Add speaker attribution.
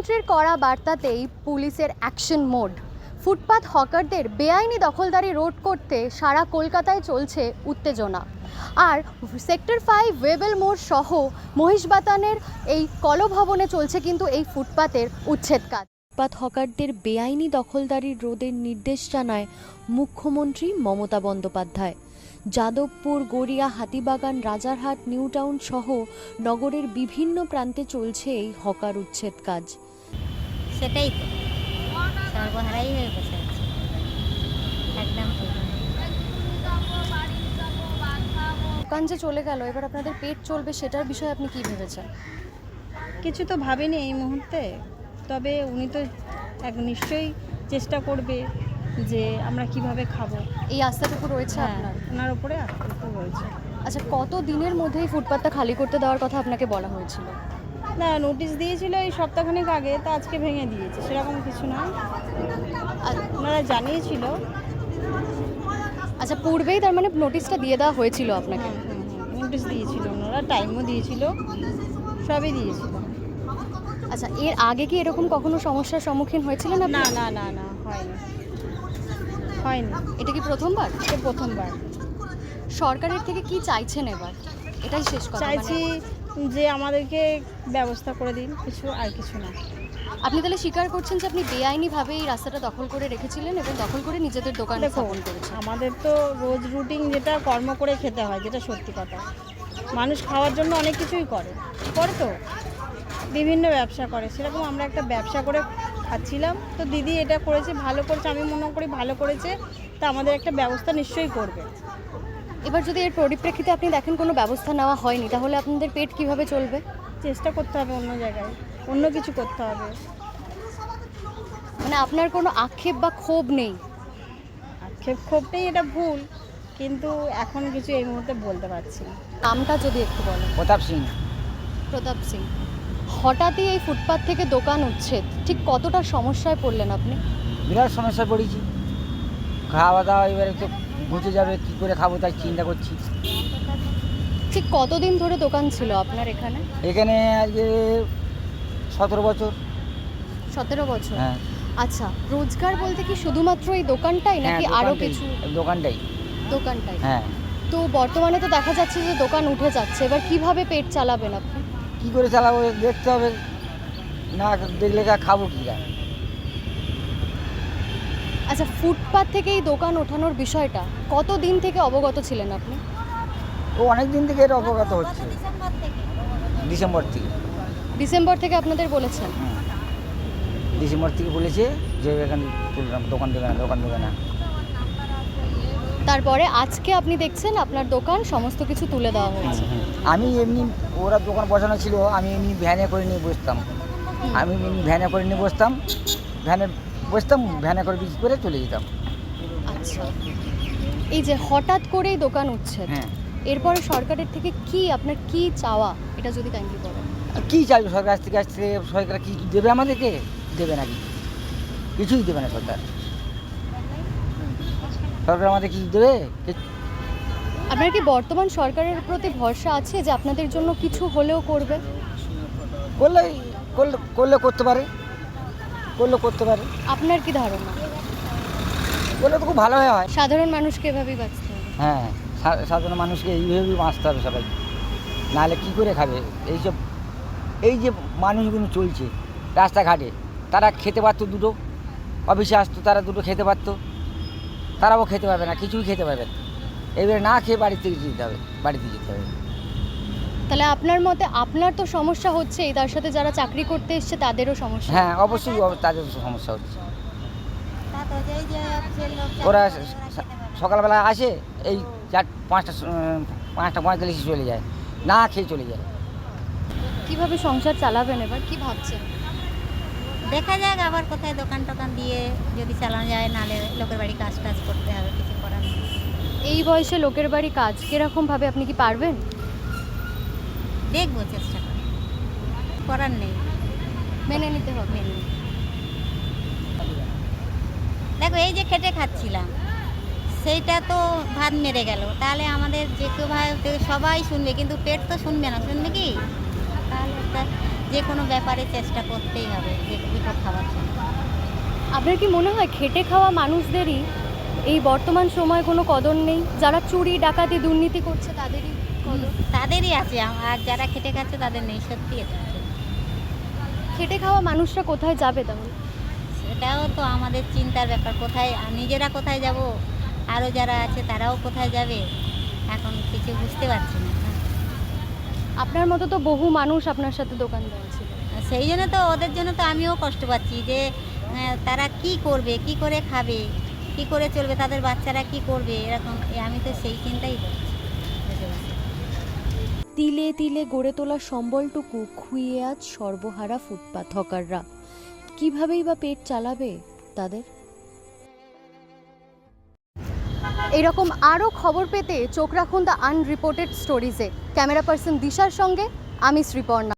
Speaker 1: মুখ্যমন্ত্রীর কড়া বার্তাতেই পুলিশের অ্যাকশন মোড। ফুটপাত হকারদের বেআইনি দখলদারি রোধ করতে সারা কলকাতায় চলছে উত্তেজনা। আর সেক্টর 5 ওয়েবেল মোড় সহ মহিষবাতানের এই কলভবনে চলছে কিন্তু এই ফুটপাতের উচ্ছেদ কাজ। ফুটপাত হকারদের বেআইনি দখলদারি রোধের নির্দেশ জানায় মুখ্যমন্ত্রী মমতা বন্দ্যোপাধ্যায়। যাদবপুর, গড়িয়া, হাতিবাগান, রাজারহাট, নিউ টাউন সহ নগরের বিভিন্ন প্রান্তে চলছে এই হকার উচ্ছেদ কাজ।
Speaker 2: সেটাই তো সর্বহারাই হয়ে বসে আছে একদম।
Speaker 1: দোকান যে চলে গেল, এবার আপনাদের পেট চলবে সেটার বিষয়ে আপনি কি ভেবেছেন?
Speaker 3: কিছু তো ভাবিনি এই মুহূর্তে, তবে উনি তো নিশ্চয়ই চেষ্টা করবে যে আমরা কিভাবে খাবো।
Speaker 1: এই আস্থাটুকু রয়েছে আপনার?
Speaker 3: ওনার উপরে আস্থা রয়েছে।
Speaker 1: আচ্ছা, কত দিনের মধ্যে এই ফুটপাতটা খালি করতে দেওয়ার কথা আপনাকে বলা হয়েছিল?
Speaker 3: না, নোটিশ দিয়েছিল এই সপ্তাহখানেক আগে, তা আজকে ভেঙে দিয়েছে, সেরকম কিছু না। ওনারা জানিয়েছিল।
Speaker 1: আচ্ছা, পূর্বেই তার মানে নোটিশটা দিয়ে দেওয়া হয়েছিল আপনাকে?
Speaker 3: নোটিশ দিয়েছিল ওনারা, টাইমও দিয়েছিল, সবই দিয়েছিল।
Speaker 1: আচ্ছা, এর আগে কি এরকম কখনো সমস্যার সম্মুখীন হয়েছিলেন আপনি?
Speaker 3: না না না না, হয়নি হয়নি,
Speaker 1: এটা কি প্রথমবার?
Speaker 3: এটা প্রথমবার।
Speaker 1: সরকারের থেকে কি চাইছেন এবার? এটাই শেষ কথা।
Speaker 3: চাইছি যে আমাদেরকে ব্যবস্থা করে দিন, কিছু আর কিছু না।
Speaker 1: আপনি তাহলে স্বীকার করছেন যে আপনি বেআইনিভাবে এই রাস্তাটা দখল করে রেখেছিলেন এবং দখল করে নিজেদের দোকান স্থাপন করেছেন?
Speaker 3: আমাদের তো রোজ রুটিন যেটা কর্ম করে খেতে হয়, যেটা সত্যি কথা। মানুষ খাওয়ার জন্য অনেক কিছুই করে তো বিভিন্ন ব্যবসা করে, সেরকম আমরা একটা ব্যবসা করে খাচ্ছিলাম। তো দিদি এটা করেছে, ভালো করেছে, আমি মনে করি ভালো করেছে। তা আমাদের একটা ব্যবস্থা নিশ্চয়ই করবে।
Speaker 1: এবার যদি এর পরিপ্রেক্ষিতে আপনি দেখেন কোনো ব্যবস্থা নেওয়া হয়নি, তাহলে আপনাদের পেট কিভাবে চলবে?
Speaker 3: চেষ্টা করতে হবে অন্য জায়গায়, অন্য কিছু করতে হবে।
Speaker 1: মানে আপনার কোনো আক্ষেপ বা ক্ষোভ নেই?
Speaker 3: ক্ষোভ নেই, এটা ভুল, কিন্তু এখন কিছু এই মুহূর্তে বলতে পারছি না।
Speaker 1: নামটা যদি একটু বলেন।
Speaker 4: প্রতাপ সিং।
Speaker 1: প্রতাপ সিং, হঠাৎই এই ফুটপাত থেকে দোকান উচ্ছেদ, ঠিক কতটা সমস্যায় পড়লেন আপনি?
Speaker 4: বিরাট সমস্যায় পড়েছি। খাওয়া দাওয়া এবারে তো ঘুচে যাবে, কী করে খাবো তাই চিন্তা করছি।
Speaker 1: ঠিক কতদিন ধরে দোকান ছিল আপনার এখানে?
Speaker 4: এখানে আজকে 17 বছর।
Speaker 1: 17 বছর?
Speaker 4: হ্যাঁ।
Speaker 1: আচ্ছা, রোজগার বলতে কি শুধুমাত্র এই দোকানটাই নাকি আরও কিছু?
Speaker 4: দোকানটাই।
Speaker 1: দোকানটাই?
Speaker 4: হ্যাঁ।
Speaker 1: তো বর্তমানে তো দেখা যাচ্ছে যে দোকান উঠে যাচ্ছে, এবার কিভাবে পেট চালাবেন আপনি?
Speaker 4: কী করে চালাবো দেখতে হবে, না দেখলে খাবো কী?
Speaker 1: আচ্ছা, ফুটপাত থেকে এই দোকান ওঠানোর বিষয়টা কতদিন থেকে অবগত ছিলেন আপনি?
Speaker 4: ও অনেক দিন থেকে এটা অবগত হচ্ছে, ডিসেম্বর থেকে।
Speaker 1: ডিসেম্বর থেকে আপনাদের বলেছেন?
Speaker 4: ডিসেম্বর থেকে বলেছে যে এখানে দোকান দেবে না।
Speaker 1: তারপরে আজকে আপনি দেখছেন আপনার দোকান সমস্ত কিছু তুলে দেওয়া হয়েছে।
Speaker 4: আমি এমনি, ওরা দোকান বসানো ছিল, আমি এমনি ভ্যানে করে নিয়ে বসতাম। ভ্যানে করে বিক্রি করে চলে যেতাম।
Speaker 1: আচ্ছা, এই যে হঠাৎ করেই দোকান উচ্ছেদ, এরপরে সরকারের থেকে কি আপনার কি চাওয়া, এটা যদি কাইন্ডলি বলেন।
Speaker 4: কী চাইবে সরকার থেকে? সরকার কি দেবে আমাদেরকে? দেবে নাকি? কিছুই দেবে না সরকার আমাদের কি দেবে?
Speaker 1: আপনার কি বর্তমান সরকারের প্রতি ভরসা আছে যে আপনাদের জন্য কিছু হলেও করবে?
Speaker 4: করলে করতে পারে।
Speaker 1: আপনার কি ধারণা?
Speaker 4: করলে তো খুব ভালো হয়।
Speaker 1: সাধারণ মানুষকে এভাবেই বাঁচতে হবে?
Speaker 4: হ্যাঁ, সাধারণ মানুষকে এইভাবেই বাঁচতে হবে সবাই, নাহলে কী করে খাবে? এই যে মানুষগুলো চলছে রাস্তাঘাটে, তারা খেতে পারতো দুটো, অফিসে আসতো তারা দুটো খেতে পারতো, তারাও খেতে পারবে না, কিছুই খেতে পারবে না। এবারে না খেয়ে বাড়িতে যেতে হবে।
Speaker 1: তাহলে আপনার মতে আপনার তো সমস্যা হচ্ছেই, তার সাথে যারা চাকরি করতে এসছে তাদেরও সমস্যা?
Speaker 4: হ্যাঁ, অবশ্যই তাদের সমস্যা হচ্ছে। ওরা সকালবেলা আসে, এই 5:45 চলে যায়, না খেয়ে চলে যায়।
Speaker 1: কিভাবে সংসার চালাবেন এবার, কি ভাবছেন?
Speaker 2: দেখা যাক আবার কোথায় দোকান টোকান দিয়ে যদি চালানো যায়, নাহলে লোকের বাড়ি কাজ টাজ করতে হবে, কিছু করার নেই।
Speaker 1: এই বয়সে লোকের বাড়ি কাজ কিরকম ভাবে, আপনি কি পারবেন?
Speaker 2: দেখবো, চেষ্টা করার নেই,
Speaker 1: মেনে নিতে হবে।
Speaker 2: দেখো এই যে খেটে খাচ্ছিলাম, সেইটা তো ভাত মেরে গেল, তাহলে আমাদের যে কেউ ভাই সবাই শুনবে, কিন্তু পেট তো শুনবে না। শুনবে কি? তাহলে একটা যে কোনো ব্যাপারে চেষ্টা করতেই হবে যে দুটো খাওয়ার জন্য।
Speaker 1: আপনার কি মনে হয় খেটে খাওয়া মানুষদেরই এই বর্তমান সময়ে কোনো কদর নেই? যারা চুরি ডাকাতি দুর্নীতি করছে তাদেরই কদর।
Speaker 2: তাদেরই আছে, আর যারা খেটে খাচ্ছে তাদের নেই, সত্যি এটা।
Speaker 1: খেটে খাওয়া মানুষরা কোথায় যাবে তাহলে?
Speaker 2: সেটাও তো আমাদের চিন্তার ব্যাপার, কোথায় নিজেরা কোথায় যাব, আরও যারা আছে তারাও কোথায় যাবে, এখন কিছু বুঝতে পারছি না।
Speaker 1: আপনার মতো তো বহু মানুষ আপনার সাথে দোকান ছিল।
Speaker 2: সেই জন্য তো ওদের জন্য তো আমিও কষ্ট পাচ্ছি যে তারা কি করবে, কি করে খাবে, কি করে চলবে, তাদের বাচ্চারা কি করবে, এরকম আমি তো সেই চিন্তাই করছি।
Speaker 1: তিলে তিলে গড়ে তোলা সম্বলটুকু খুইয়ে আজ সর্বহারা ফুটপাত হকাররা। কিভাবেই বা পেট চালাবে তাদের? এরকম আরও খবর পেতে চোখ রাখুন দ্য আনরিপোর্টেড স্টোরিজে। ক্যামেরা পার্সন দিশার সঙ্গে আমি শ্রীপর্ণা।